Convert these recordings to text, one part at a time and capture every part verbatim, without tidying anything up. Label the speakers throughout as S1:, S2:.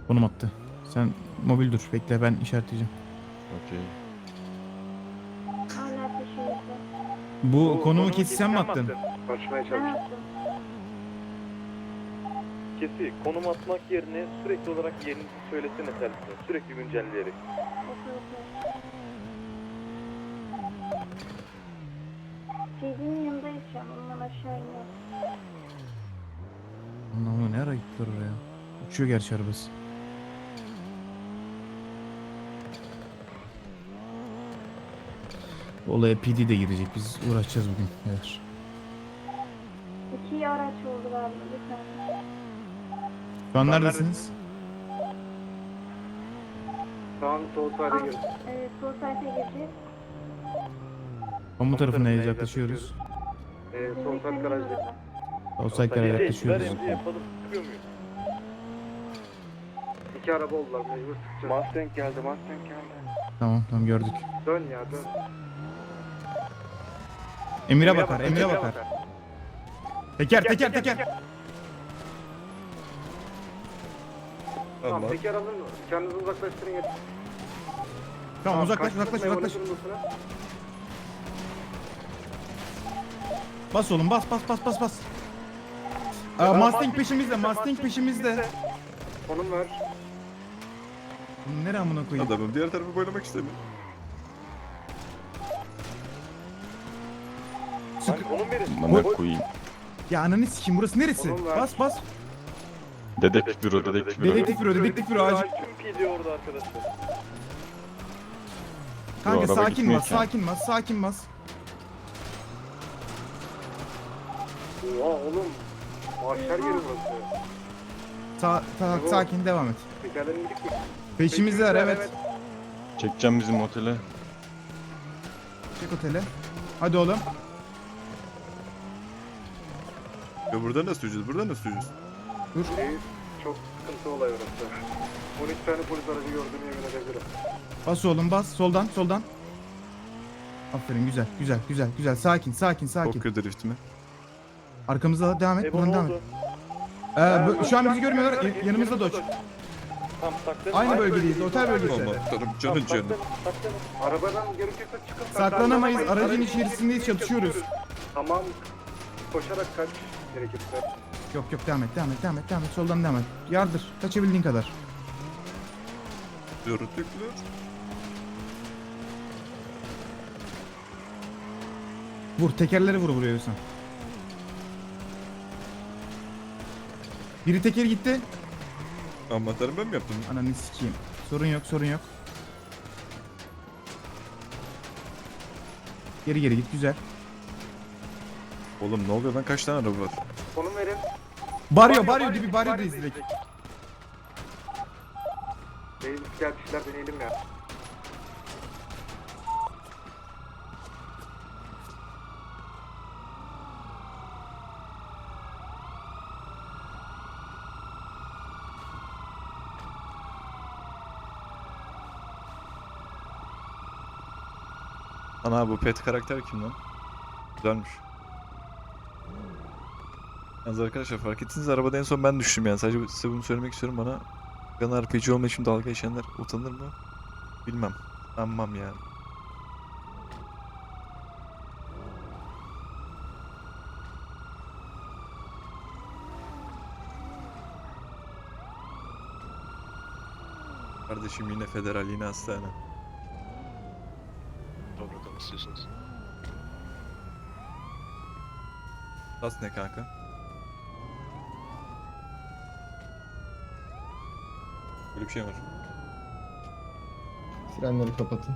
S1: Konum attı. Sen mobil dur. Bekle ben işaretleyeceğim.
S2: Okey.
S3: Hala peşimizde.
S1: Bu konumu kesi sen mi attın?
S4: Açmaya
S3: Ben
S4: çalış.
S3: attım.
S5: Kesi konum atmak yerine sürekli olarak yerini söylesene tersine. Sürekli güncelleyerek.
S3: Okey okey. Cedi'nin yanındayız şu an. Ondan aşağı iniyor.
S1: Anlamı ne ara gittiler oraya? Uçuyor gerçi arabası. Olaya P D de girecek. Biz uğraşacağız bugün. Evet.
S3: İki araç oldu galiba. Bir tane.
S1: Şu an neredesiniz?
S4: Şu an sol sayda
S3: Al,
S4: gir.
S3: evet, sol sayfa gireceğiz.
S1: Kamu tarafına yaklaşıyoruz.
S4: Ee, sol
S3: Bizim
S4: side
S3: ekranın
S4: garajda.
S3: orada.
S1: Outside'lara
S5: Ver
S1: yaklaşıyoruz.
S5: emri yapalım. Çıkıyor muyuz?
S4: İki araba oldular mecbur sıkacağız.
S5: Mustang geldi, Mustang geldi.
S1: Tamam tamam gördük.
S4: Dön ya dön.
S1: Emir'e bakar, Emir'e bakar. Teker, teker, teker.
S4: Tamam
S2: Tamam.
S4: teker alın. Kendinizi uzaklaştırın yeter.
S1: Tamam uzaklaş,
S4: kaçtınız,
S1: uzaklaş,
S4: meyveli
S1: uzaklaş.
S4: durumdasınız.
S1: Bas oğlum, bas, bas, bas, bas, bas. Aa, Mustang peşimizde, Mustang peşimizde.
S4: Konum ver.
S1: Nereye amına koyayım?
S2: Adamım diğer tarafı boylamak istemiyor.
S1: Sık.
S5: Lan konum verin.
S2: Bana koyayım.
S1: Ya ananı sikeyim, burası neresi?
S4: Oğlum ver.
S1: Bas, bas.
S2: Dedektif büro, dedektif büro.
S1: Dedektif büro, dedektif büro acil.
S5: Tüm P D orada arkadaşlar.
S1: Kanka
S2: araba
S1: sakin
S2: gitmiyor
S1: bas,
S2: ki.
S1: sakin bas, sakin bas.
S4: Oha oğlum. Mahşer yeri burası.
S1: Sa sa
S4: Bravo.
S1: sakin devam et.
S4: Tekerlerin gidik mi?
S1: Peşimizdeler evet.
S2: Çekeceğim bizim otele.
S1: Çek otele. Hadi oğlum.
S2: Ya burada nasıl süreceğiz? Burada nasıl süreceğiz?
S1: Dur.
S4: Reis, çok sıkıntı olay orası. on iki tane polis aracı gördüğümü yemin edebilirim.
S1: Bas oğlum bas. Soldan, soldan. Aferin güzel, güzel, güzel, güzel. Sakin, sakin, sakin.
S2: Tokyo drift mi?
S1: Arkamızda devam et,
S5: Ebo
S1: buradan
S5: ne
S1: devam et.
S5: oldu?
S1: Ee, bu- şu an bizi görmüyorlar. y- Yanımızda Dodge.
S5: Tam saklanın.
S1: Aynı
S5: Aynı
S1: bölgedeyiz, otel bölgesi.
S2: Aman tanrım canın canı.
S5: Saklanın, saklanın.
S4: Arabadan gerekirse çıkın.
S1: Saklanamayız, aracın
S4: Aracın
S1: içerisindeyiz, çatışıyoruz.
S4: Tamam. Koşarak kaç gerekirse.
S1: Yok yok devam et, devam et, devam et, devam et. Soldan devam et. Yardır, kaçabildiğin kadar.
S2: Yörütüklü.
S1: Vur, tekerleri vur vuruyorsan. Biri teker gitti.
S2: Aman tanrım ben mi yaptım?
S1: Ananı sikeyim. Sorun yok, sorun yok. Geri geri git, güzel.
S2: Oğlum ne oluyor lan kaç tane araba var?
S4: Konum verin.
S1: Baryo, baryo dibi, baryodayız direkt.
S4: Reis gel bir şeyler deneyelim ya.
S2: Ana bu pet karakter kim lan? Güzelmiş. Yalnız arkadaşlar fark ettiniz arabada en son ben düştüm yani sadece size bunu söylemek istiyorum bana Gun R P G olma için dalga geçenler utanır mı? Bilmem. Anmam yani. Kardeşim yine federal yine hastane.
S6: Doğrudan istiyorsunuz.
S2: Tas ne kanka? Böyle bir şey var.
S7: Frenleri kapatın.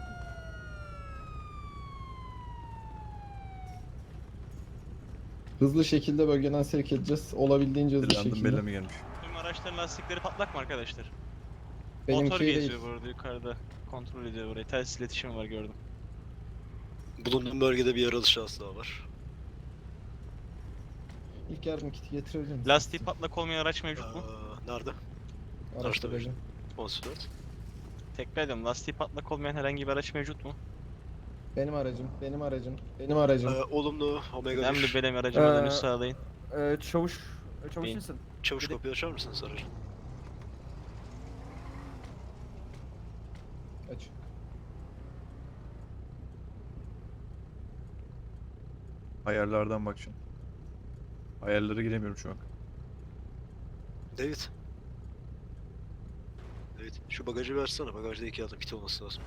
S7: Hızlı şekilde bölgeden sevk edeceğiz. Olabildiğince hızlı
S2: Random
S7: şekilde.
S2: belleme gelmiş.
S8: Tüm araçların lastikleri patlak mı arkadaşlar?
S7: Benimki
S8: Motor
S7: değil.
S8: geziyor bu arada yukarıda. Kontrol ediyor burayı. Telsiz iletişimi var gördüm.
S6: Bulunduğum bölgede bir yaralı şahıs daha var.
S7: İlk yardım kiti getirebilir misin?
S8: Lastiği patlak olmayan araç mevcut mu?
S6: Aa, nerede?
S7: Araçta
S6: araçta
S7: böyle.
S6: on dört.
S8: Tekrar ediyorum. Lastiği patlak olmayan herhangi bir araç mevcut mu?
S7: Benim aracım, benim aracım, benim aracım.
S6: Ee, olumlu Omega
S8: Önemli
S6: bir.
S8: benim aracıma
S7: Ee,
S8: dönüş sağlayın.
S9: Ee, çavuş, çavuş
S8: Beyin.
S9: musun?
S6: Çavuş kapıyı açar mısınız aracın?
S7: Aç.
S2: Ayarlardan bak şimdi. Ayarlara giremiyorum şu an.
S6: David. David şu bagajı versene. Bagajda iki adım kit olması lazım.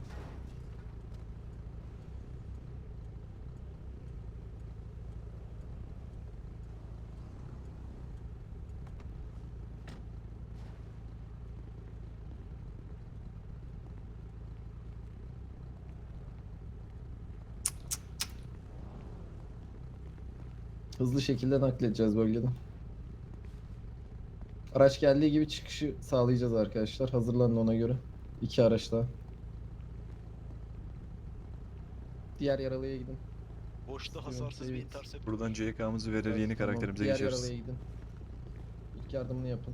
S7: Hızlı şekilde nakledeceğiz bölgeden. Araç geldiği gibi çıkışı sağlayacağız arkadaşlar. Hazırlanın ona göre. İki araç daha. Diğer yaralıya gidin.
S6: Boşta hasarsız bir
S7: David.
S6: intercept.
S2: Buradan C K'mızı verir
S7: Evet,
S2: yeni
S7: tamam.
S2: karakterimize
S7: Diğer
S2: geçeriz.
S7: yaralıya gidin. İlk yardımını yapın.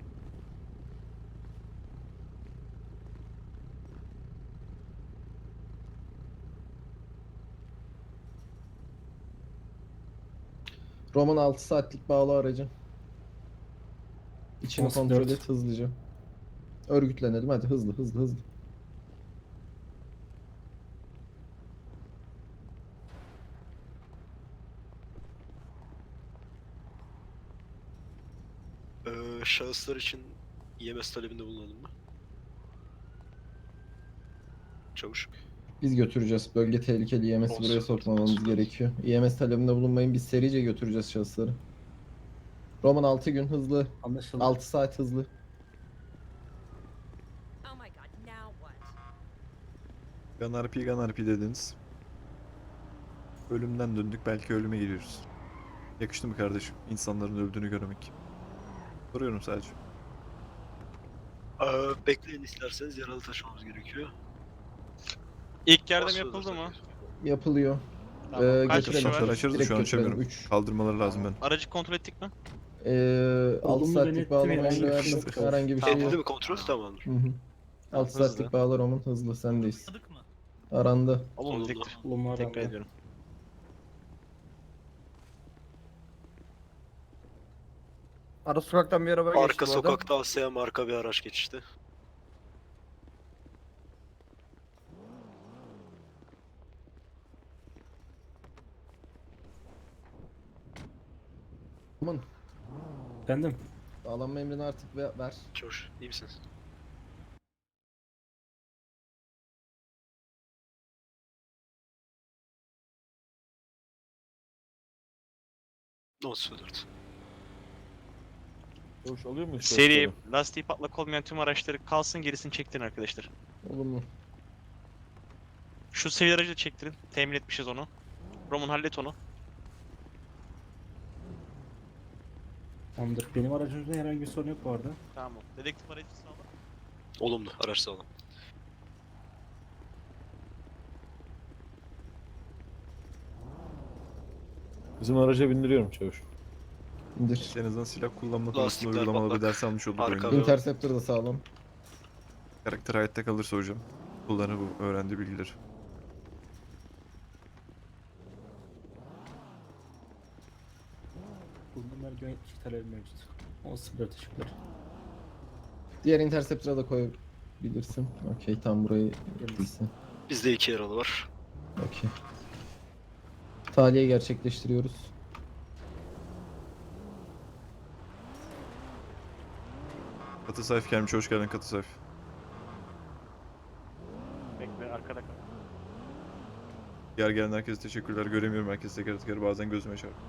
S7: Roman altı saatlik bağlı aracı. İçini
S1: on
S7: kontrol
S1: dört.
S7: et hızlıca. Örgütlenelim hadi hızlı hızlı hızlı.
S6: Ee, şahıslar için E M S talebinde bulunalım mı? Çavuş.
S7: Biz götüreceğiz. Bölge tehlikeli. E M S'i
S6: Olsun,
S7: buraya
S6: olsun,
S7: sokmamamız
S6: olsun.
S7: gerekiyor. E M S talebinde bulunmayın. Biz serice götüreceğiz şahısları. Roman altı gün hızlı.
S1: Anlaşıldı.
S7: altı saat hızlı.
S9: Oh my god, now what?
S2: Gun R P, Gun R P dediniz. Ölümden döndük, belki ölüme giriyoruz. Yakıştı mı kardeşim? İnsanların öldüğünü görmek. Soruyorum sadece.
S6: Ee, bekleyin isterseniz yaralı taşımamız gerekiyor.
S8: İlk yardım
S6: Basıyoruz
S8: yapıldı mı?
S6: zaten.
S7: Yapılıyor.
S8: Tamam.
S7: Ee,
S8: Kaç
S7: götürelim.
S8: kişi
S2: Kapıları
S8: var?
S2: açarız da
S7: Direkt
S2: şu an
S7: götürelim.
S2: açamıyorum.
S7: üç.
S2: Kaldırmaları lazım ben.
S8: Aracı kontrol ettik mi?
S7: Ee, altı
S1: Olumlu
S7: saatlik
S1: denetim
S7: bağlama
S1: herhangi
S7: emri
S1: bir
S7: verdim.
S1: şey yok.
S7: Herhangi bir şey
S6: Edildi
S7: yok.
S6: mi kontrol? Tamamdır.
S7: Hı hı. altı
S8: Hızlı.
S7: saatlik bağla Roman hızlı sendeyiz.
S10: Anladık mı?
S7: Arandı.
S8: Olumlu
S6: Olumlu.
S8: tektir.
S1: Olumlu
S8: Tekrar
S1: arandı.
S8: ediyorum.
S10: Ara sokaktan bir araba geçti
S6: Arka
S10: bu arada.
S6: sokakta Asya marka bir araç geçti.
S7: Roman
S1: Efendim?
S7: bağlanma emrini artık ve- ver.
S6: Çavuş iyi misiniz? on sıfır dört.
S1: Hoş oluyor mu?
S8: Seri, lastiği patlak olmayan tüm araçları kalsın, gerisini çektirin arkadaşlar.
S7: Olumlu.
S8: Şu sivil aracı da çektirin. Temin etmişiz onu. Roman hallet onu.
S1: Tamamdır. Benim aracımda herhangi bir sorun yok bu arada.
S8: Tamam. Dedektif aracı sağla.
S6: Olumlu araç sağlam.
S11: Bizim araca bindiriyorum çavuş.
S7: İndir.
S2: En azından silah kullanma konusunda
S6: Lastikler
S2: uygulamalı bir
S6: patlak.
S2: ders almış olduk
S6: Arka
S2: oyunda.
S6: ve-
S7: Interceptor da sağlam.
S2: Karakter hayatta kalırsa hocam. Kullanır bu öğrendiği bilgileri.
S1: Bunun vergi yönetmiş talebi mevcut. on sıfır dört teşekkürler.
S7: Diğer Interceptor'a da koyabilirsin. Okey tam burayı yapılsın.
S6: Bizde iki yaralı var.
S7: Okey. Tahliye gerçekleştiriyoruz.
S2: Katı sayf gelmiş, hoş geldin Katı sayf.
S8: Bekle, arkada kal.
S2: Diğer gelen herkese teşekkürler. Göremiyorum herkese teker teker, bazen gözüme çarpıyor.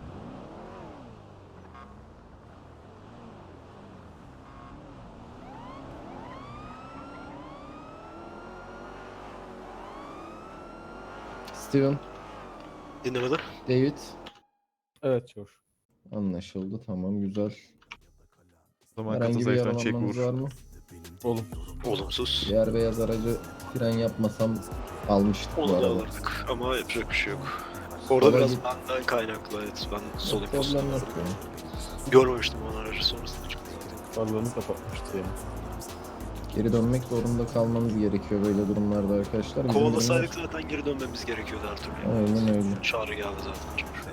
S7: Steven,
S6: Dinlemede.
S7: David.
S11: Evet çavuş.
S7: Anlaşıldı tamam güzel.
S2: O zaman Katı
S7: Herhangi bir
S2: sayftan çek
S7: yaralanmanız var
S2: vur.
S7: mı?
S11: Oğlum.
S6: Olumsuz.
S7: Diğer beyaz aracı fren yapmasam almıştık bu
S6: Onu da
S7: arada.
S6: alırdık ama yapacak bir şey yok. Orada
S7: Sola
S6: biraz
S7: git.
S6: benden kaynaklı, evet, ben sol
S7: Problem
S6: imposter
S7: yok
S6: vardım.
S7: yani.
S6: Görmemiştim o aracı, sonrasında çıktı zaten.
S11: Farlarını kapatmıştı yani.
S7: Geri dönmek zorunda kalmanız gerekiyor böyle durumlarda arkadaşlar. Bizim
S6: Kovalasaydık
S7: durumlar-
S6: zaten geri dönmemiz gerekiyordu her türlü.
S7: Aynen öyle.
S6: Çağrı geldi zaten. Çavuş.